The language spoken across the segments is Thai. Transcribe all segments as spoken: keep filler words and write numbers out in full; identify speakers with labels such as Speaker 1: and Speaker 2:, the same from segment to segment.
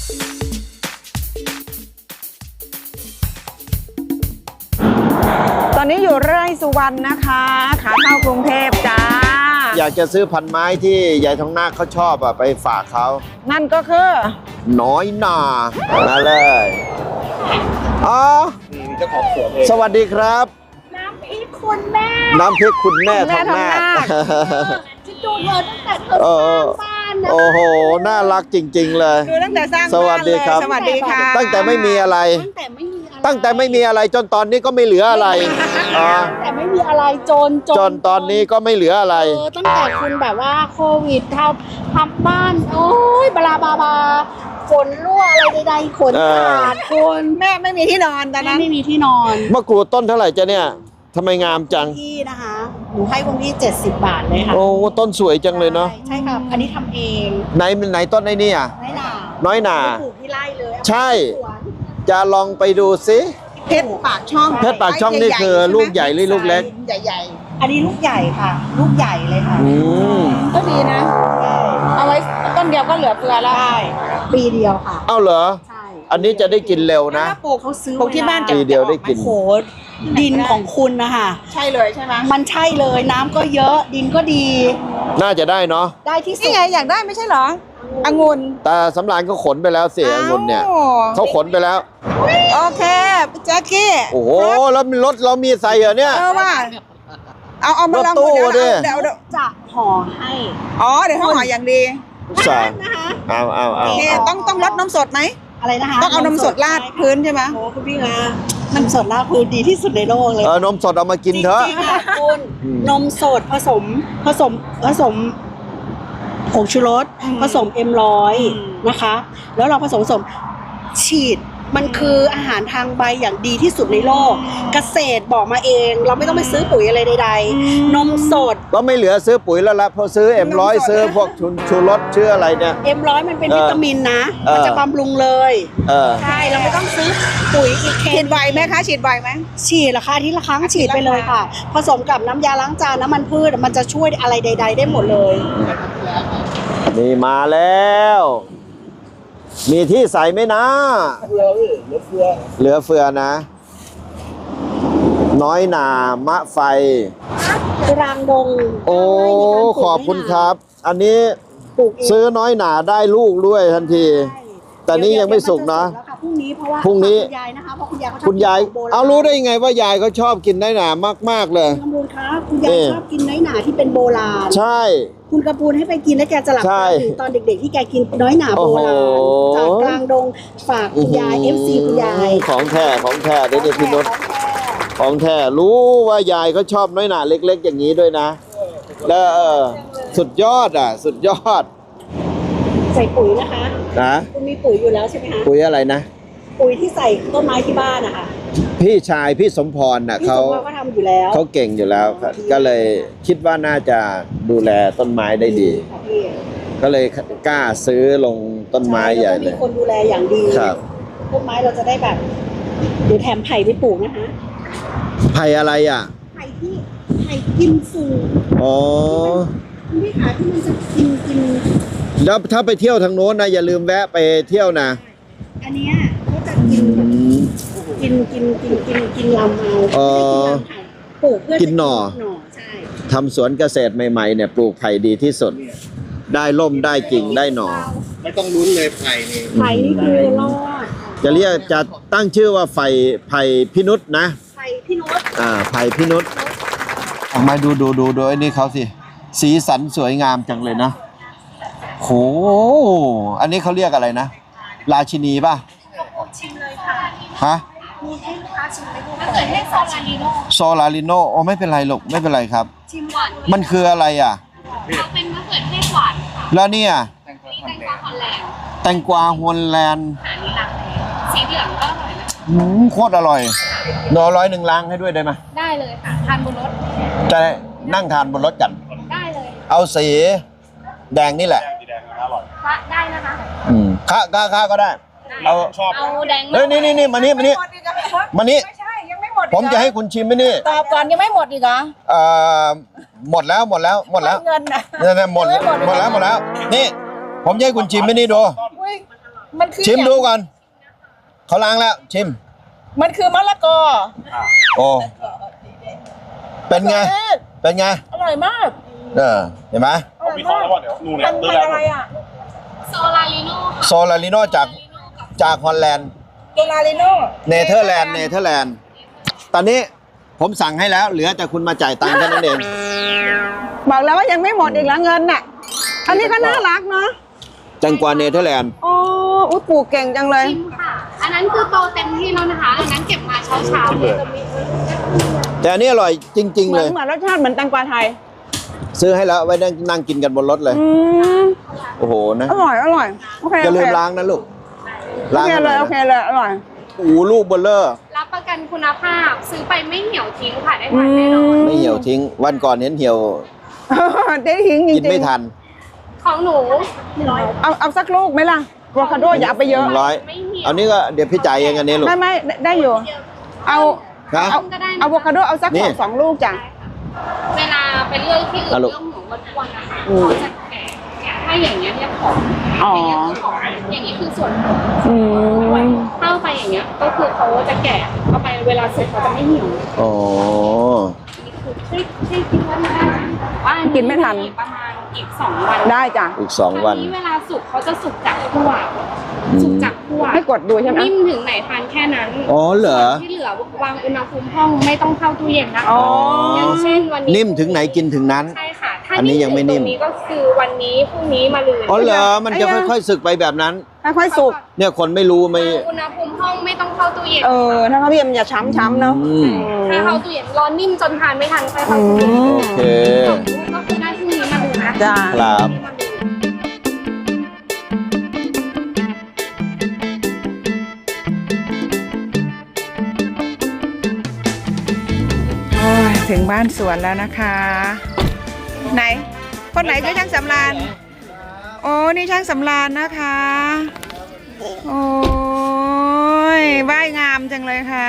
Speaker 1: ตอนนี้อยู่ไร่สุวรรณนะคะขาเข้ากรุงเทพจ้า
Speaker 2: อยากจะซื้อพันไม้ที่ยายทองนาคเขาชอบอะไปฝากเขา
Speaker 1: นั่นก็คือ
Speaker 2: น้อยหนามาเลยอ๋อเจ้าของสวนเองสวัสดีครับ
Speaker 3: น้ำพริกคุณแม่
Speaker 2: น้ำพริกคุณแม่ทองนาค
Speaker 3: ฉันดูเธอตั้งแต่เธอสร้างบ้านนะ
Speaker 2: โอ้โหน่ารักจริงๆเลย
Speaker 1: ดูตั้งแต่สร้าง
Speaker 2: สวัสดีครับ
Speaker 1: สวัสดีค่ะ
Speaker 2: ตั้งแต่ไม่มีอะไร
Speaker 3: ตั้งแต่ไม่มี
Speaker 2: ตั้งแต่ไม่มีอะไรจนตอนนี้ก็ไม่เหลืออะไร
Speaker 3: ตั้งแต่ไม่มีอะไรจน
Speaker 2: จนตอนนี้ก็ไม่เหลืออะไร
Speaker 3: เออตั้งแต่คุณแบบว่าโควิดทำทำบ้านโอ้ยบลาบาบาฝนรั่วอะไรใดๆขนขาดคน
Speaker 1: แม่ไม่มีที่นอนตอนนั้น
Speaker 3: ไม่มีที่นอน
Speaker 2: มะกรูดต้นเท่าไหร่จ๊ะเนี่ยทำไมงามจัง
Speaker 3: ที่นะคะหนูให้คุณพี่เจ็ดสิบบาทเลยค่ะ
Speaker 2: โอ้ต้นสวยจังเลยเนาะ
Speaker 3: ใช่ค่ะอันนี้ทำเอง
Speaker 2: ไหนไหนต้นไอ้นี่อ่ะ
Speaker 3: น้อยหนา
Speaker 2: น้อยหนา
Speaker 3: ปลูกที่ไร่เลย
Speaker 2: ใช่จะลองไปดูซิ
Speaker 1: เพชรปากช่อง
Speaker 2: เพชรปากช่องนี่คือลูกใหญ่หรือลูกเล็ก
Speaker 1: ใหญ่
Speaker 3: ๆอันนี้ลูกใหญ่ค่ะลูกใหญ่เลยค่ะ
Speaker 2: อืม
Speaker 1: ก็ดีนะเอาไว้ต้นเดียวก็เหลือเฟือแล้ว
Speaker 3: ได้ปีเดียวค่ะ
Speaker 2: เอ้าเหรอใช่อันนี้จะได้กินเร็วนะ
Speaker 3: ปลูกเขาซื้อ
Speaker 1: ปลูกที่บ้าน
Speaker 2: ปีเดียวได้กิน
Speaker 3: โหดินของคุณนะคะ
Speaker 1: ใช่เลยใช่ไหม
Speaker 3: มันใช่เลยน้ำก็เยอะดินก็ดี
Speaker 2: น่าจะได้เนาะ
Speaker 3: ได้ที่สุด
Speaker 1: นี่ไงอยากได้ไม่ใช่เหรอองุ่น
Speaker 2: แต่สำรานก็ขนไปแล้วเสียองุ่นเนี่ยเขาขนไปแล้ว
Speaker 1: โอเคแจ็คกี้
Speaker 2: โอ้โหแล้วรถเรามีใส่เหรอเนี่ย
Speaker 1: เออว่าเอาเอามาลอง
Speaker 2: ดูเดี๋ยว
Speaker 1: เดี๋ยว
Speaker 3: จะห่อให้
Speaker 1: อ๋อเดี๋ยวเขาห่ออย่างดี
Speaker 2: ใช่เอาเอาเอา
Speaker 1: ต้องต้องรดนมสดไหม
Speaker 3: อะไรนะคะ
Speaker 1: ต้องเอานมสดราดพื้นใช่ไหม
Speaker 3: โอ้คุณพี่นะนมสดราดพื้นดีที่สุดในโลกเลย
Speaker 2: เออนมสดเอามากินเถอะ
Speaker 3: จริงๆค่ะคุณนมสดผสมผสมผสมผงชูรสผสมเอ็มร้อยนะคะแล้วเราผสมผสมฉีดมันคืออาหารทางใบอย่างดีที่สุดในโลกเกษตรบอกมาเองเราไม่ต้องไปซื้อปุ๋ยอะไรใดๆนมสด
Speaker 2: ก็ไม่เหลือซื้อปุ๋ยแล้วละพอซื้อเอ็มร้อยซื้อพวกชูรสชื่ออะไรเนี่ย
Speaker 3: เอ็มร้อยมันเป็นวิตามินนะมันจะบำรุงเลยใช่เราไม่ต้องซื้อปุ๋ยอีก
Speaker 1: ฉีดไวไหมคะฉีดไวไหม
Speaker 3: ฉีดราคาที่ละครั้งฉีดไปเลยค่ะผสมกับน้ำยาล้างจานน้ำมันพืชมันจะช่วยอะไรใดๆได้หมดเลย
Speaker 2: นี่มาแล้วมีที่ใส่ไหมนะเหลือเฟือเหลือเฟือนะน้อยหนามะไฟ
Speaker 3: กลางดง
Speaker 2: โอ้ขอบคุณครับอันนี้ซื้อน้อยหนาได้ลูกด้วยทันทีแต่นี้ยังไม่สุกนะ
Speaker 3: พรุ่งนี้เพราะว่า
Speaker 2: พรุ่งนี้
Speaker 3: คุณยายนะคะเพราะคุณยายเขาชอบ
Speaker 2: คุณยายเอารู้ได้ยังไงว่ายายเขาชอบกินน้อยหนามากๆเลย
Speaker 3: คุณกำพูนคะคุณยายชอบกินน้อยหนาที่เป็นโบราณ
Speaker 2: ใช่
Speaker 3: คุณกระปูนให้ไปกินแล้วแกจะหลับตาถึงตอนเด็กๆที่แกกินน้อยหนาโบราณจากกลางดงฝากคุณยาย เอฟ ซี คุณยาย
Speaker 2: ของแท้ของแท้เด็ดพี่นุชของแท้รู้ว่ายายเขาชอบน้อยหนาเล็กๆอย่างนี้ด้วยนะแล้วเออสุดยอดอ่ะสุดยอด
Speaker 3: ใส่ปุ๋ยนะคะ
Speaker 2: นะ
Speaker 3: คุณมีปุ๋ยอยู่แล้วใช่ไหมคะ
Speaker 2: ปุ๋ยอะไรนะ
Speaker 3: ปุ๋ยที่ใส่ต้นไม้ที่บ้านนะคะ
Speaker 2: พี่ชายพี่สมพรน่ะเขา
Speaker 3: เขาทำอยู่แล้ว
Speaker 2: เขาเก่งอยู่แล้วก็เลยคิดว่าน่าจะดูแลต้นไม้ได้ดีก็เลยกล้าซื้อลงต้นไม้ใหญ่เลย
Speaker 3: มีคนดูแลอย่างดี
Speaker 2: ครับ
Speaker 3: ต้นไม้เราจะได้แบบเดี๋ยวแถมไผ่ไปปลูกนะคะ
Speaker 2: ไผ่อะไรอ่ะ
Speaker 3: ไผ่ที่ไผ่กินสูง
Speaker 2: อ๋อ
Speaker 3: คุณพี่ขาที่มันจะกินกิน
Speaker 2: แล้วถ้าไปเที่ยวทางโน้นนะอย่าลืมแวะไปเที่ยวนะ
Speaker 3: อันนี้เขาจะกินกินกินกินกินกินลำเอาปลูกเพื่อ
Speaker 2: กินหน่อ
Speaker 3: ใช่
Speaker 2: ทำสวนเกษตรใหม่ๆเนี่ยปลูกไผ่ดีที่สุดได้ล่มได้กิ่งได้หน่อ
Speaker 4: ไม่ต้องลุ้นเลยไผ่นี่
Speaker 3: ไผ่นี่คือรอด
Speaker 2: จะเรียกจะตั้งชื่อว่าไผ่ไผ่พินุษนะ
Speaker 3: ไผ่พินุษ
Speaker 2: อ่าไผ่พินุษออกมาดูดูดูดูไอ้นี่เขาสิสีสันสวยงามจังเลยนะโหอันนี้เขาเรียกอะไรนะราชินีป่ะ
Speaker 3: ชิมเลยค่ะ
Speaker 2: ฮะ
Speaker 3: มีให้ลูกค้าชิมไหมลูกมะเขือเทศโซลาริโน
Speaker 2: โซลาริโนโอ้ไม่เป็นไรหรอกไม่เป็นไรครับ
Speaker 3: ชิมหวาน
Speaker 2: มันคืออะไรอ่ะ
Speaker 3: เขาเป็นมะเขือเทศหวานค่ะ
Speaker 2: แล้วเนี่ย
Speaker 3: แตงกวาฮอลแลนด์
Speaker 2: แตงกวาฮอลแลนด์
Speaker 3: อันนี้ลังสีเหลืองก็อร่อยนะ
Speaker 2: อืมโคตรอร่อยนอร้อยหนึ่งล้างให้ด้วยได้ไหม
Speaker 3: ได้เลยค่ะทานบนรถ
Speaker 2: จะนั่งทานบนรถกัน
Speaker 3: ได้เลย
Speaker 2: เอาสีแดงนี่แหละ
Speaker 3: ได้นะคะ
Speaker 2: อืมข้าข้าข้าก็ได้เอา
Speaker 3: ชอบเอาแดง
Speaker 2: เฮ้ยนี่นี่นี่มานี่มานี่มานี่
Speaker 1: ไม่ใช่ยังไม่หมด
Speaker 2: ผมจะให้คุณชิมไหมนี่
Speaker 1: ตอบก่อนยังไม่หมดอีกเหรอ
Speaker 2: เอ่อหมดแล้วหมดแล้วหมดแล้ว
Speaker 1: เงินนะ
Speaker 2: เนี่ยหมดหมดแล้วหมดแล้วนี่ผมจะให้คุณชิมไหมนี่ดู
Speaker 1: มันคือ
Speaker 2: ชิมดูก่อนเขาล้างแล้ว ชิม
Speaker 1: มันคือมะละกอ
Speaker 2: โอ้เป็นไง เป็นไง
Speaker 1: อร่อยมาก
Speaker 2: เออเห็นไหม
Speaker 1: อร่อยมากมันเป็นอะไรอ่ะ
Speaker 5: โซลาริโน่ค่ะ
Speaker 2: โซลาริโนจากจากฮอลแลนด์
Speaker 1: โกลาลิโน่
Speaker 2: เนเธอร์แลนด์เนเธอร์แลนด์ตอนนี้ผมสั่งให้แล้ว เหลือแต่คุณมาจ่ายตังค์แค่นั้นเอง
Speaker 1: บอกแล้วว่ายังไม่หมดอีกแล้วเงินน่ะ อันนี้ก็น่ารักเนาะ
Speaker 2: แตงกวาเนเธอร์แลนด์
Speaker 1: อ๋ออุ้ยปลูกเก่งจังเลย
Speaker 5: ชิมค่ะ อันนั้นคือโตเต็มที่แล้วนะคะ อันนั้นเก็บมาเช้าเช้าๆเลย
Speaker 2: แต่อันนี้อร่อยจริง ๆ
Speaker 1: เหมื
Speaker 2: เล
Speaker 1: อน
Speaker 2: ย
Speaker 1: เหมือนรสชาติเหมือนแตงกวาไทย
Speaker 2: ซื้อให้แล้วไว้นั่งนั่งกินกันบนรถเลย
Speaker 1: อืม
Speaker 2: โอ้โหนะ
Speaker 1: อร่อยอร่อยโอเค
Speaker 2: อย่าลืม
Speaker 1: โอเค
Speaker 2: ล้างนะลูก
Speaker 1: โอ
Speaker 2: ล้าง
Speaker 1: เค
Speaker 2: ให้ห
Speaker 1: เล
Speaker 2: น่อย ย
Speaker 1: โอเค
Speaker 2: นะ
Speaker 1: เลยอร่อย
Speaker 2: โอ้โหลูกเบลเลอร์
Speaker 5: รับประกันคุณภาพ ซื้อไปไม่เหี่ยวทิ้งค่ะ ได้ทานแน่นอน
Speaker 2: ไม่เหี่ยวทิ้ง วันก่อนเห็นเหี่ยว
Speaker 1: ได้ทิ้งจริง
Speaker 2: กินไม่ทัน
Speaker 5: ของหนู
Speaker 1: เอาเอาสักลูกไหมล่ะโวคาโดอย่าเอาไปเยอะ
Speaker 2: หนึ่งร้อย
Speaker 5: ไม่เหี่ยว
Speaker 2: เอานี้ก็เดี๋ยวพี่จ่ายเองอันนี้ลูก
Speaker 1: ไม่ไม่ได้ได้อยู่ เอา
Speaker 2: นะ
Speaker 1: เอาเอาอะโวคาโดเอาสัก
Speaker 2: นี่
Speaker 1: สองสองลูกจ้ะ
Speaker 5: เวลาไปเลือกที่อื่น
Speaker 2: อ่ะลูก
Speaker 5: เรื่องหมูวันวันนะคะ
Speaker 1: อืม
Speaker 5: เขาจะแกะเนี่ยถ้าอย่างเงี้ยเรียกของ
Speaker 1: อ๋อ
Speaker 5: อย่างเงี้ยคือของอย่างนี้คือส่วนของ
Speaker 1: อืม
Speaker 5: เข้าไปอย่างเงี้ย ก็คือเขาจะแกะเข้าไปเวลาสุกเขาจะไม่เหี่ยว
Speaker 2: อ๋อ
Speaker 5: นี่คือที่ที่คิดว่าไม่ได้ว่าอั
Speaker 1: กินไม่ทัน
Speaker 5: ประมาณอีกสองวัน
Speaker 1: ได้จ้ะ
Speaker 2: อีกสองวัน
Speaker 5: อันี้เวลาสุกเขาจะสุกจากคั่ว
Speaker 2: อืม
Speaker 5: สุกจากคั่ว
Speaker 1: ให้กดดูใช่ไหม
Speaker 5: นิ่มถึงไหนทานแค่นั้น
Speaker 2: อ๋อเหรอ
Speaker 5: ส่วนที่เหลือวางอุณหภูมิห้องไม่ต้องเข้าตู้เย็นนะ
Speaker 1: อ๋อ
Speaker 5: อย่างเช่นวันนี้
Speaker 2: นิ่มถึงไหนกินถึงนั้น
Speaker 5: ใช่ค่ะ ถ้า
Speaker 2: อันนี้ยังไม่นิ่ม
Speaker 5: ถึตรงนี้ก็คือวันนี้พรุ่งนี้มาลืน
Speaker 2: อ๋อเหรอ มันจะค่อยๆสึกไปแบบนั้น
Speaker 1: ค่อยๆสุก
Speaker 2: เนี่ยคนไม่รู้ไม่
Speaker 5: วางอุณหภูมิห้องไม่ต้องเข้าตู้เย็น
Speaker 1: เออ ถ้าเขาพี่เอ็มอย่าช้ำๆเนาะ
Speaker 2: อืม
Speaker 5: ถ้าเข้าตู้เย็นร้อนนิ่มจนทานไม่ทันค่อย
Speaker 1: อื
Speaker 5: เข้าตู้เย็น
Speaker 1: ม
Speaker 2: โอเค
Speaker 5: ก็คือได้พรุ่งนี้มาลืนนะ
Speaker 1: จ้า
Speaker 2: ครับ
Speaker 1: โอ้ยถึงบ้านสวนแล้วนะคะ ไหน คนไหนคือช่างสำราญ โอ้นี่ช่างสำราญนะคะ โอ้ยว่ายงามจังเลยค่ะ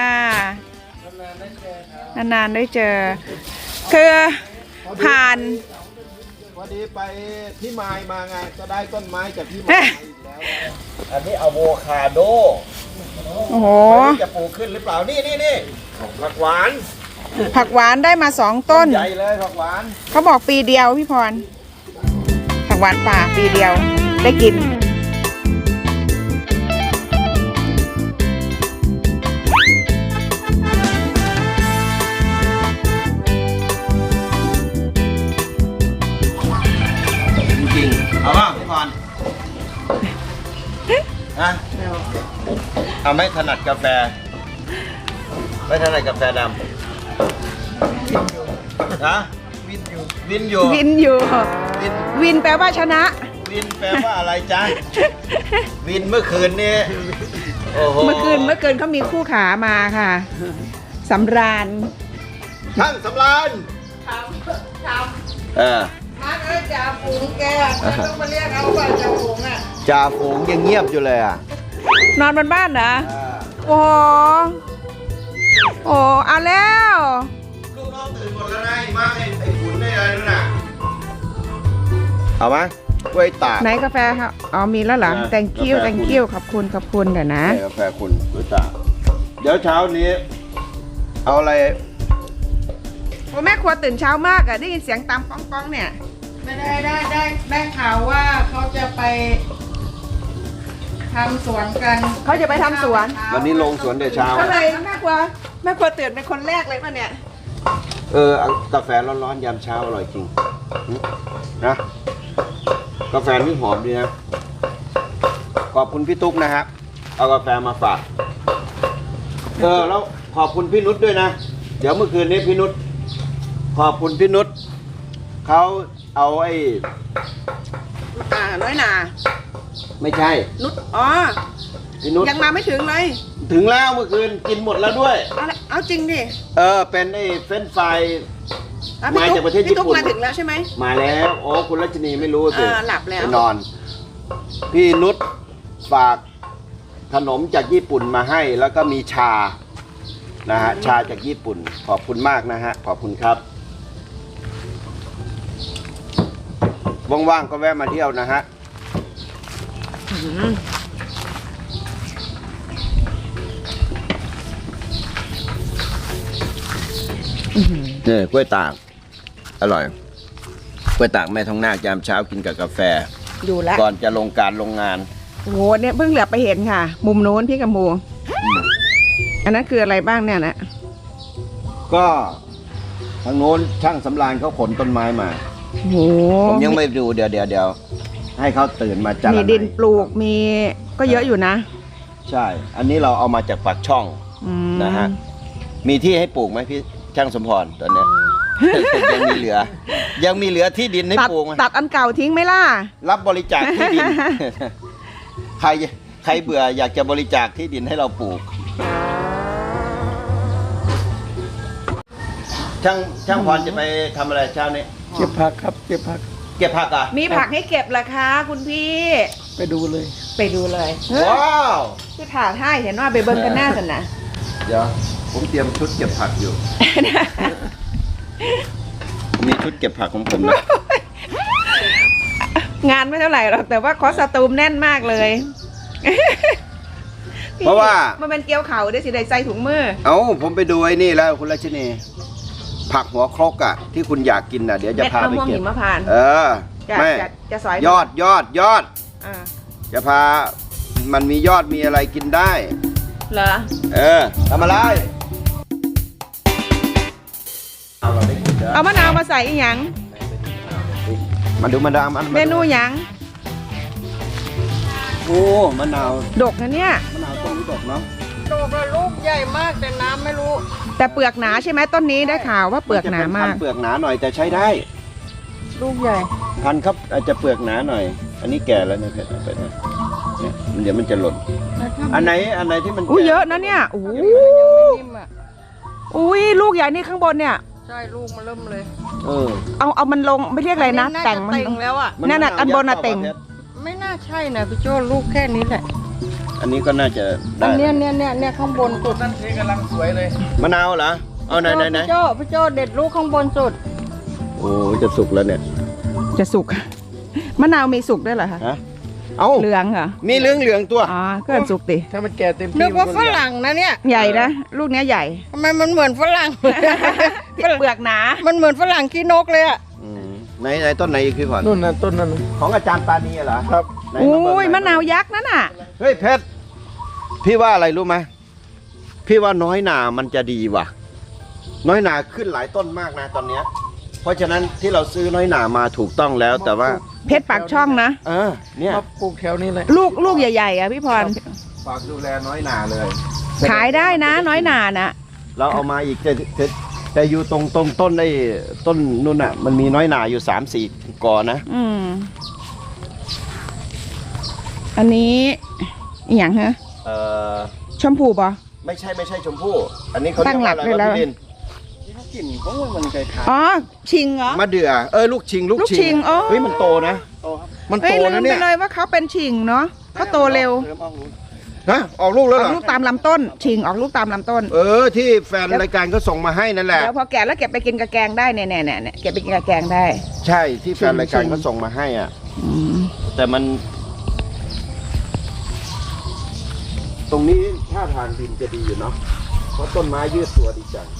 Speaker 1: นานๆได้เจอ คือผ่าน
Speaker 2: พอดีไปพี่มายมาไงก็ได้ต้นไม้จากพี่มายอีกแล้วอันนี้อะโวคาโด
Speaker 1: โอ้โห
Speaker 2: ไม่รู้จะปลูกขึ้นหรือเปล่า นี่นี่นี่ผักหวาน
Speaker 1: ผักหวานได้มาสองต้น
Speaker 2: ใหญ่เลยผักหวาน
Speaker 1: เขาบอกปีเดียวพี่พร ผักหวานป่าปีเดียวได้กิน
Speaker 2: จริงๆเอาป่ะพี่พรฮะเอาไม่ถนัดกาแฟ ไม่ถนัดกาแฟดำฮะวินอยู่วินอยู่
Speaker 1: วินอยู่
Speaker 2: วิน
Speaker 1: วินแปลว่าชนะ
Speaker 2: วินแปลว่าอะไรจ๊ะ วินเมื่อคืนนี้โอ้โห
Speaker 1: เมื่อคืนเมื่อคืนเขามีคู่ขามาค่ะสำราญ
Speaker 2: ช่างสำราญเออ
Speaker 1: มาเอ้ยจ่าฝูงแกต้องมาเรียกเอาว่าจ่าฝูงอ่ะ
Speaker 2: จ่าฝูงยังเงียบอยู่เลยอ่ะ
Speaker 1: นอนบนบ้านเหรอ
Speaker 2: เออ
Speaker 1: โอ้โหโอ้เอาแล้ว
Speaker 2: ลูกน้องตื่นหมดแล้วนะไอ้มาไอ้ไอ้ขุนไอ้อะไรนั่นน่ะเอาไหมกล้วยตาก
Speaker 1: ไหนกาแฟครับอ๋อมีแล้วเหรอ
Speaker 2: เออ
Speaker 1: thank you
Speaker 2: กาแฟ
Speaker 1: thank you ขอบคุณขอบคุณเดี๋ยวนะ
Speaker 2: ให้กาแฟคุณกล้วยตากเดี๋ยวเช้านี้ เอาอะไร
Speaker 1: โอ้แม่ครัวตื่นเช้ามากอ่ะได้ยินเสียงตามป้องป้องเนี่ย
Speaker 6: ไม่ได้ได้ได้ได้ข่าวว่าเขาจะไปทำสวนกัน
Speaker 1: เขาจะไปทำสวน
Speaker 2: วันนี้ลงสวนแต่เช้า
Speaker 1: ก็เลยแม่ครัวแม่ครัวตื่นเป็นคนแรกเลยป่ะเนี่ย
Speaker 2: เออเอากาแฟร้อนๆยามเช้าอร่อยจริงหึนะกาแฟนี่หอมดีนะขอบคุณพี่ตุ๊กนะครับเอากาแฟมาฝากเออแล้วขอบคุณพี่นุชด้วยนะ เดี๋ยวเมื่อคืนนี้พี่นุชขอบคุณพี่นุชเขาเอาไอ้
Speaker 1: อ่าน้อยหนา
Speaker 2: ไม่ใช่
Speaker 1: นุชอ๋อ
Speaker 2: พี่นุช
Speaker 1: ยังมาไม่ถึงเลย
Speaker 2: ถึงแล้วเมื่อคืนกินหมดแล้วด้วย
Speaker 1: เอาละเอาจริงดิ
Speaker 2: เออเป็นไอ้เฟรนช์ฟราย
Speaker 1: อ่ะพี่
Speaker 2: มา
Speaker 1: ตุ๊
Speaker 2: จากประเทศ
Speaker 1: พี่ตุ๊ก
Speaker 2: ญี่ปุ่น
Speaker 1: มาถึงแล้วใช่ไหม
Speaker 2: มาแล้วโอ้คุณรัชนีไม่รู้สิ
Speaker 1: เออหลับแล้ว
Speaker 2: ไปนอน พี่นุชฝากขนมจากญี่ปุ่นมาให้ แล้วก็มีชานะฮะชาจากญี่ปุ่น ขอบคุณมากนะฮะขอบคุณครับว่างๆก็แวะมาเที่ยวนะฮะเนี่ยกล้วยตากอร่อยกล้วยตากแม่ทองนาคยามเช้ากินกับกาแฟ
Speaker 1: อยู่แล้ว
Speaker 2: ก่อนจะลงการลงงาน
Speaker 1: โอ้โหเนี่ยเพิ่งเหลือไปเห็นค่ะ มุมโน้นพี่กับหมูอันนั้นคืออะไรบ้างเนี่ยนะ
Speaker 2: ก็ทางโน้นช่างสำราญเขาขนต้นไม้มา
Speaker 1: โอ้โห
Speaker 2: ผมยังไม่ดูเดี๋ยวเดี๋ยวเดี๋ยวให้เขาตื่นมาจัด
Speaker 1: มีดินปลูกมีก็เยอะอยู่นะ
Speaker 2: ใช่ อันนี้เราเอามาจากปากช่อง
Speaker 1: อืม
Speaker 2: นะฮะมีที่ให้ปลูกไหมพี่ช่างสมพรตอนเนี้ย ยังมีเหลือ ยังมีเหลือที่ดินให้
Speaker 1: ตัด
Speaker 2: ปลูกไหม
Speaker 1: ตัดอันเก่าทิ้งไหมล่ะ
Speaker 2: รับบริจาคที่ดิน ใครใครเบื่ออยากจะบริจาคที่ดินให้เราปลูก ช่างช่างพรจะไปทำอะไรเช้านี้
Speaker 4: เก็บผักครับเก็บผัก
Speaker 2: เก็บผักอ่ะ
Speaker 1: มีผักให้เก็บเหรอคะ คุณพี่
Speaker 4: ไปดูเลย
Speaker 1: ไปดูเลย
Speaker 2: ว้าว
Speaker 1: คือถ่าท่ายเห็นว่าไปเบิ้งกันหน้าสันนะ
Speaker 2: เดี๋ยวผมเตรียมชุดเก็บผักอยู่ ผมมีชุดเก็บผักของผมนะ
Speaker 1: งานไม่เท่าไหร่หรอกแต่ว่าคอสตูมแน่นมากเลย
Speaker 2: เพราะว่า
Speaker 1: มันเป็นเกี๊ยวเขาได้สิได้ใส่ถุงมือ
Speaker 2: เอ้าผมไปดูไอ้นี่แล้วคุณรัชนีผักหัวครกอ่ะ ที่คุณอยากกินอ่ะเดี๋ยวจะ
Speaker 1: เม็ด
Speaker 2: พาม
Speaker 1: ะ
Speaker 2: ไป
Speaker 1: ม่วง
Speaker 2: เก็
Speaker 1: หิ
Speaker 2: บ
Speaker 1: มพานต์
Speaker 2: เออ
Speaker 1: จะ
Speaker 2: แม่
Speaker 1: จะจะสอย
Speaker 2: ยอดยอดยอด
Speaker 1: อ่า
Speaker 2: จะพามันมียอดมีอะไรกินได้
Speaker 1: เหรอ
Speaker 2: เออทำอะไรเอาเราได้กินเด้อ
Speaker 1: เอามะนาวมาใส่อีหยัง
Speaker 2: มาดูมาดามอัน
Speaker 1: เมนูหยัง
Speaker 2: โอ้มะนาว
Speaker 1: ดกนะเนี่ย
Speaker 2: มะนาวต้นนี้ดอกเนาะ
Speaker 6: โตกับลูกใหญ่มากแต่น้ำไม่รู้
Speaker 1: แต่เปลือกหนาใช่ไหมต้นนี้ได้ข่าวว่าเปลือกหนามาก
Speaker 2: นจะเป็พันธุ์เปลือกหนาหน่อยแต่ใช้ได้
Speaker 6: ลูกใหญ่
Speaker 2: พันธุ์ครับอาจจะเปลือกหนาหน่อย อันนี้แก่แล้วนะเพชรไปนะเนี่ยมันเดี๋ยวมันจะหล่นอันไหนอันไหนที่มัน
Speaker 1: อุ้ย
Speaker 2: แก่
Speaker 1: เยอะนะเนี่ยอู้
Speaker 6: ยังไม่นิ่มอ่ะ
Speaker 1: อุ้ยลูกใหญ่นี่ข้างบนเนี่ย
Speaker 6: ใช่ลูกมันเริ่มเลย
Speaker 2: เออ
Speaker 1: เอาเอามันลงไม่เรียกอะไรนะ
Speaker 6: าจ
Speaker 1: แต่งมัน
Speaker 6: เต่งแล้วอ่ะ
Speaker 2: มั
Speaker 1: นั่นน่ะ
Speaker 2: ม
Speaker 1: อันบนน่ะ
Speaker 2: ยักษ์
Speaker 1: เต่ง
Speaker 2: ปล่าพชร
Speaker 6: ไม่น่าใช่นะพี่โจ้ลูกแค่นี้แหละ
Speaker 2: อันนี้ก็น่าจะ
Speaker 6: อั
Speaker 2: ได้
Speaker 6: นเนี้ยเนี่ยเนี่ยเนี่ยข้างบนสุด
Speaker 4: นั่นเทกำลังสวยเลย
Speaker 2: มะนาวเหรอเอาไหนไหนไหน
Speaker 6: พี่โจ้พี่โจ้เด็ดลูกข้างบนสุด
Speaker 2: โอ้จะสุกแล้วเนี่ย
Speaker 1: จะสุก มะนาวมีสุกด้วยเหรอคะ
Speaker 2: ฮะเอา
Speaker 1: เหลืองเหรอ
Speaker 2: มีเหลืองเหลืองๆตัว
Speaker 1: อ๋อก็สุกติ
Speaker 4: ถ้ามันแก่เต็มที่
Speaker 6: นึกว่า
Speaker 4: มัน
Speaker 6: ฝรั่งนะเนี่ย
Speaker 1: ใหญ่นะลูกเนี้ยใหญ่
Speaker 6: ทำไมมันเหมือนฝรั่ง
Speaker 1: เปลือกหนา
Speaker 6: มันเหมือนฝรั่งขี้นกเลยอ่ะ
Speaker 2: อืมไหนไหนต้นไหนอีกพี่พร
Speaker 4: นู่นน่ะต้นนั้น
Speaker 2: ของอาจารย์ปานีเหรอ
Speaker 4: ครับ
Speaker 2: ไหน
Speaker 1: โอ้
Speaker 2: เบิ่ง
Speaker 1: ย
Speaker 2: ห
Speaker 1: มะนาวยักษ์นั่นน่ะ
Speaker 2: เฮ้ยเพชรพี่ว่าอะไรรู้ไหมพี่ว่าน้อยหนามันจะดีว่ะ น้อยหนาขึ้นหลายต้นมากนะตอนเนี้ย เพราะฉะนั้นที่เราซื้อน้อยหนามาถูกต้องแล้วแต่ว่า
Speaker 1: เพชรปากช่องนะ
Speaker 2: เออเนี่ย
Speaker 4: มาปลูกแถวนี้เลย
Speaker 1: ลูกลูกใหญ่ๆอ่ะพี่พร
Speaker 2: ฝากดูแลน้อยหนาเลย
Speaker 1: ขายได้นะ น้อยหนานะ
Speaker 2: เราเอามาอีกแต่แต่แต่อยู่ตรงตรงต้นไอ้ต้นนู่นน่ะ มันมีน้อยหนาอยู่สามสี่กอนะ
Speaker 1: อืมอันนี้อหย่างฮะ
Speaker 2: เออ
Speaker 1: ชมพูป่ะ
Speaker 2: ไม่ใช่ไม่ใช่ชมพู่อันนี้เขา
Speaker 1: ตั้
Speaker 2: เรีย
Speaker 1: ง
Speaker 2: ก
Speaker 1: หลั
Speaker 2: ว่าก อะไร
Speaker 1: เลยแล้ว
Speaker 2: วะพี่ดิน
Speaker 4: กลิ่นของมันมันคล้าย
Speaker 1: อ๋อชิงเหรอ
Speaker 2: มะเดื่อเออลูกชิงลูก
Speaker 1: ลูกชิงอ๋อ
Speaker 2: เฮ้ยมันโตนะ
Speaker 4: ๆโตครับ
Speaker 2: มัน
Speaker 1: เอ้
Speaker 2: โต
Speaker 1: ยลื
Speaker 2: นะ
Speaker 1: ม
Speaker 2: เนี่
Speaker 1: ไป
Speaker 2: ย
Speaker 1: เลยว่าเขาเป็นชิงเนาะเขาโตเร็ว
Speaker 4: เริ่มออกลูก
Speaker 2: ฮะออกลูกแล้ว
Speaker 1: อ
Speaker 2: เหร
Speaker 1: อก
Speaker 2: อ
Speaker 1: ลูกตามลำต้น ชิงออกลูกตามลำต้น
Speaker 2: เออที่แฟนรายการก็ส่งมาให้นั่นแหละ
Speaker 1: เดี๋ยวพอแก่แล้วเก็บไปกินกับแกงได้เนี่ยเนี่ยเนี่ยเก็บไปกินกับแกงได้
Speaker 2: ใช่ที่แฟนรายการ
Speaker 1: ชิง
Speaker 2: ก็ส่งมาให้อ่ะ
Speaker 1: อืม
Speaker 2: แต่มัน ตรงนี้ท่าทางดินจะดีอยู่เนาะเพราะต้นไม้ยืดตัวดีจัง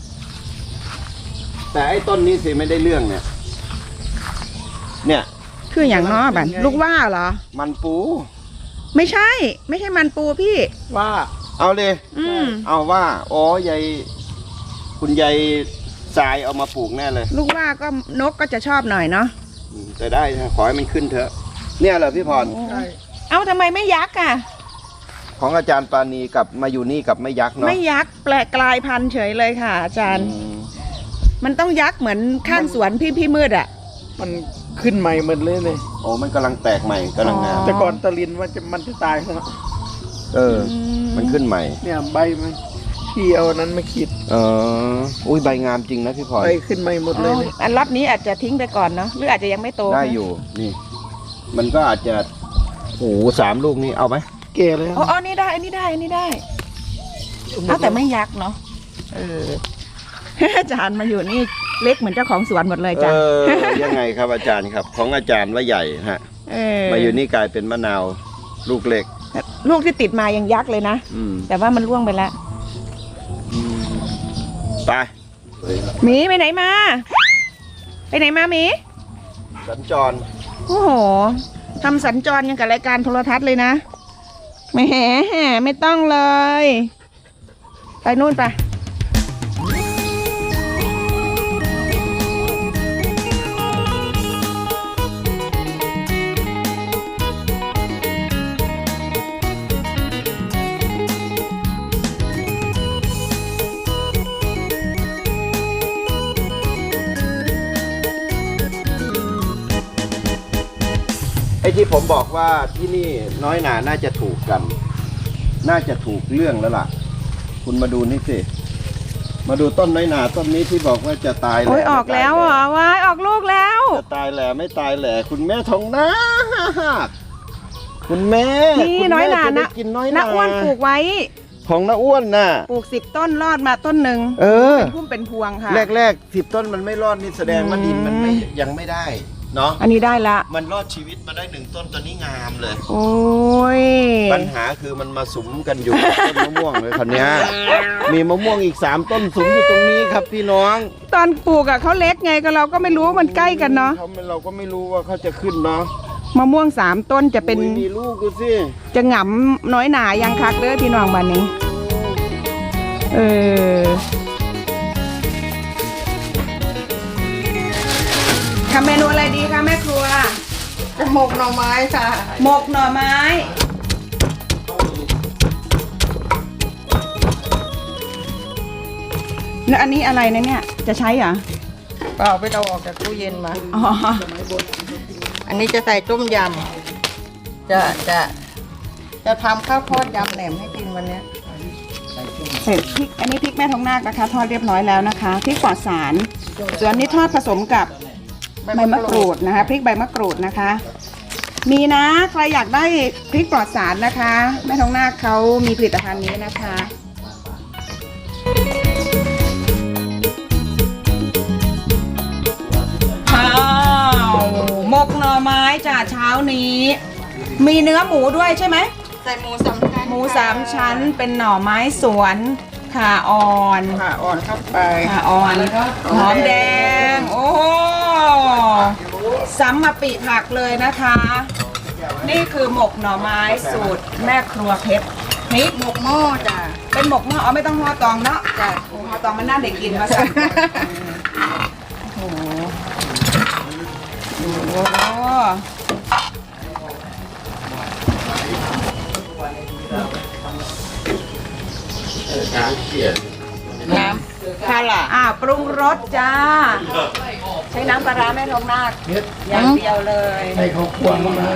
Speaker 2: แต่ไอ้ต้นนี้สิไม่ได้เรื่องเนี่ย เนี่ย
Speaker 1: คืออย่างน้อบันลูกว่าเหรอ
Speaker 2: มันปู
Speaker 1: ไม่ใช่ ไม่ใช่มันปูพี่
Speaker 4: ว่า
Speaker 2: เอาเลย
Speaker 1: อืม
Speaker 2: เอาว่าอ๋อยายคุณยายทรายเอามาปลูกแน่เลย
Speaker 1: ลูกว่าก็นกก็จะชอบหน่อยเนาะ
Speaker 2: อืมแต่ได้นะขอให้มันขึ้นเถอะ เนี่ยเหรอพี่พร
Speaker 4: ใช่
Speaker 1: เอ้าทำไมไม่ยักษ์อ่ะ
Speaker 2: ของอาจารย์ปานีกับมาอยู่นี่กับไม่ยักษ์เนาะ
Speaker 1: ไม่ยักษ์แปลกกลายพันธุ์เฉยเลยค่ะ อาจารย์
Speaker 2: อืม
Speaker 1: มันต้องยักษ์เหมือนข้างสวนพี่พี่มืดอ่ะ
Speaker 4: มันขึ้นใหม่หมดเลยเลย
Speaker 2: โอ้มันกำลังแตกใหม่กำลังงาม
Speaker 1: อ๋อ
Speaker 4: แต่ก่อนตะลินว่าจะมันจะตายแล้ว
Speaker 2: เออ มันขึ้นใหม่
Speaker 4: เนี่ยใบมันที่เอาอันนั้นมาขีด
Speaker 2: เอออุ้ยใบงามจริงนะพี่พร
Speaker 4: ใบขึ้นใหม่หมดเลยเลย
Speaker 1: อันรับนี้อาจจะทิ้งไปก่อนเนาะหรืออาจจะยังไม่โต
Speaker 2: ได้อยู่นี่ มันก็อาจจะโอ้โหสามลูกนี่เอาไหม
Speaker 4: แก่เลย
Speaker 1: อ๋ออ๋อนี่ได้อันนี้ได้อันนี้ได้เอาแต่ไม่ยักษ์เนาะเออ อาจารย์มาอยู่นี่เล็กเหมือนเจ้าของสวนหมดเลย
Speaker 2: เอ
Speaker 1: จ้ะ
Speaker 2: อยังไงครับอาจารย์ครับ ของอาจารย์ว่าใหญ่ฮะ
Speaker 1: เออ
Speaker 2: มาอยู่นี่กลายเป็นมะนาวลูกเล็ก
Speaker 1: ลูกที่ติดมายังยักษ์เลยนะ
Speaker 2: อืม
Speaker 1: แต่ว่ามันร่วงไปแล้ว
Speaker 2: อืมไป
Speaker 1: หมีไปไหนมา ไปไหนมาหมี
Speaker 2: สัญจร
Speaker 1: โอ้โหทำสัญจรยังกับรายการโทรทัศน์เลยนะแหมไม่ต้องเลย ไปนู่นไป
Speaker 2: ไอ้ที่ผมบอกว่าที่นี่น้อยหนาน่าจะถูกกัน น่าจะถูกเรื่องแล้วล่ะ คุณมาดูนี่สิ มาดูต้นน้อยหนาต้นนี้ที่บอกว่าจะตายแหล่
Speaker 1: โอ้ยออกแล้วเหรอว้ายออกลูกแล้ว
Speaker 2: จะตายแหล่ไม่ตายแหล่คุณแม่ทองนาคคุณแม่
Speaker 1: นี่
Speaker 2: คุณแม่
Speaker 1: น้อยหนา
Speaker 2: จะได้
Speaker 1: นะ
Speaker 2: กินน้อยห
Speaker 1: น้า
Speaker 2: นา
Speaker 1: อ้วนปลูกไว้
Speaker 2: ของน้าอ้วนน่ะ
Speaker 1: ปลูกสิบต้นรอดมาต้นหนึ่ง
Speaker 2: เออ
Speaker 1: เป็นพุ่มเป็นพวงค่ะ
Speaker 2: แรกๆสิบต้นมันไม่รอดนี่แสดงว่าดินมันไม่ยังไม่ได้เนาะ
Speaker 1: อันนี้ได้ละ
Speaker 2: มันรอดชีวิตมาได้หนึ่งต้นตอนนี้งามเลย
Speaker 1: โอ้ย
Speaker 2: ปัญหาคือมันมาสุมกันอยู่กับต้นมะม่วงเลยคนนี้ยมีมะม่วงอีกสามต้นสุมอยู่ตรงนี้ครับพี่น้อง
Speaker 1: ตอนปลูกอะเขาเล็กไงก็เราก็ไม่รู้ว่ามันใกล้กันเนาะ
Speaker 2: เขาไม่เราก็ไม่รู้ว่าเขาจะขึ้นเนาะ
Speaker 1: มะม่วงสามต้นจะเป็น
Speaker 2: อุ๊ยมีลูกดูสิ
Speaker 1: จะหงำน้อยหนายังคักเด้อพี่น้องบ้านนี้ เออทำเมนูอะไรดีคะแม่ครัว
Speaker 6: จะหมกหน่อไม้ค่ะ
Speaker 1: หมกหน่อไม้ แล้วอันนี้อะไรนะเนี่ย จะใช้เหรอ
Speaker 6: เปล่าไปเอาออกจากตู้เย็นมา
Speaker 1: อ๋อ
Speaker 6: อันนี้จะใส่ต้มยำ จะจะจะทำข้าวทอดยำแหนมให้กินวันเนี้ย
Speaker 1: เสร็จพริก อันนี้พริกแม่ทองนาคนะคะ ทอดเรียบร้อยแล้วนะคะ พริกปลอดสาร ส่วนอันนี้ทอดผสมกับใบมะกรูดนะคะ พริกใบมะกรูดนะคะ มีนะ ใครอยากได้พริกปลอดสารนะคะ แม่ทองนาคเขามีผลิตภัณฑ์นี้นะคะข้าวหมกหน่อไม้จ้ะเช้านี้ มีเนื้อหมูด้วยใช่ไหม
Speaker 6: ใส่หมูสามชั้น
Speaker 1: หมูสามชั้นเป็นหน่อไม้สวนข่าอ่อน
Speaker 6: ค่ะอ่อนเข้าไป
Speaker 1: ข่าอ่อนหอมแดง โอ้โหสัมมาปิผักเลยนะคะ นี่คือหมกหน่อไม้สูตรแม่ครัวเพชรพริก
Speaker 6: หมกหม้อจ้ะ
Speaker 1: เป็นหมกหม้อเอาไม่ต้องห่อตองเนาะ
Speaker 6: จ้ะ
Speaker 1: ห่อตองมันน่าเด็กกินมาสั่นโอ้โหโอ้โห
Speaker 6: น้ำคาร่า
Speaker 1: อ่าปรุงรสจ้า ใช้น้ำปลาร้าแม่ทองนาคอย่างเดียวเลย
Speaker 4: ให้เขาควงมา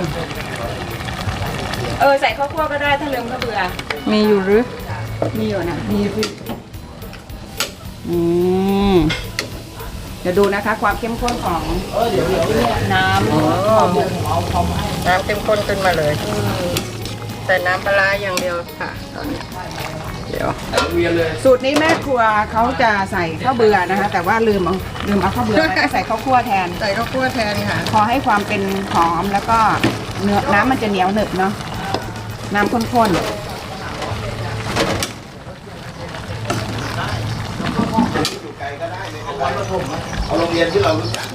Speaker 1: เออใส่ข้าวคั่วก็ได้ถ้าเลืมก็เบื่อ
Speaker 6: มีอยู่หรือ
Speaker 1: มีอยู่นะมีสิอืมเดี๋ยวดูนะคะความเข้มข้นของน้ำห่อหมก
Speaker 6: น้ำเข้มข้นขึ้นมาเลยใส่น้ำปลาร้าอย่างเดียวค่ะตอนนี้เดี๋ยว
Speaker 1: สูตรนี้แม่ครัวเขาจะใส่ข้าวเบื่อนะคะ แต่ว่าลืมเอาลืมเอาข้าวเบื่อไปก็ใส่ข้าวคั่วแทน
Speaker 6: ใส่ข้าวคั่วแทนค่ะ
Speaker 1: พอให้ความเป็นหอมแล้วก็เนื้อน้ำมันจะเหนียวหนึบเนาะน้ำข้นๆ
Speaker 2: เอาโรงเรียนที่เรารู้จัก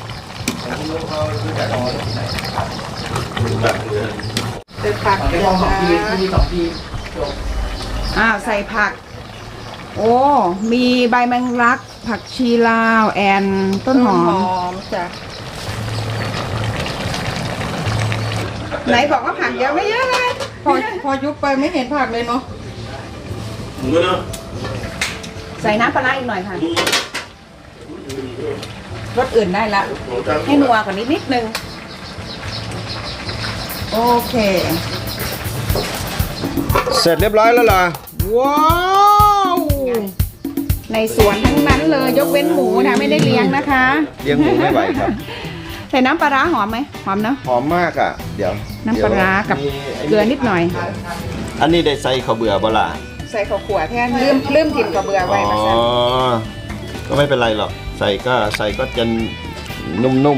Speaker 6: เป็นผักอย่างนะ
Speaker 1: อ้าวใส่ผัก โอ้มีใบแมงลัก ผักชีลาวแอนต้นหอ
Speaker 6: ห
Speaker 1: ม
Speaker 6: อมจ้ะ
Speaker 1: ไหนบอกว่าผักเยอะไม่เยอะเลย
Speaker 6: พอพอยุบไปไม่เห็นผักเลยเนาะ
Speaker 1: ใส่น้ำปลาร้าอีกหน่อยค่ะรสอื่นได้ละ ให้นัวกว่านี้นิดนึง โอเค
Speaker 2: เสร็จเรียบร้อยแล้วเหรอ ว้าว
Speaker 1: ในสวนทั้งนั้นเลยยกเว้นหมูนะไม่ได้เลี้ยงนะคะ
Speaker 2: เลี้ยงหมูไม่ไหวครับ
Speaker 1: ใส่น้ำปลาร้าหอมไหมหอมเนาะ
Speaker 2: หอมมากอ่ะ เดี๋ยว
Speaker 1: น้ำปลาร้ากับ
Speaker 2: ดี๋ยวมีไ
Speaker 1: เกลือนิดหน่อย
Speaker 2: อันนี้ได้ใส่ข้าวเบื่อบ่ล่ะ
Speaker 1: ใส่ข้าวขั่วแทนลืมลืมถิ่นกระเบือ
Speaker 2: อ๋
Speaker 1: ไว้
Speaker 2: อ
Speaker 1: มาซะ
Speaker 2: ก็ไม่เป็นไรหรอก ใส่ก็ใส่ก็จะนุ่ม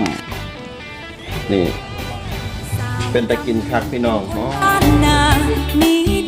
Speaker 2: ๆ นี่ เป็นตะกินคักพี่น้องอ๋อ
Speaker 7: นามี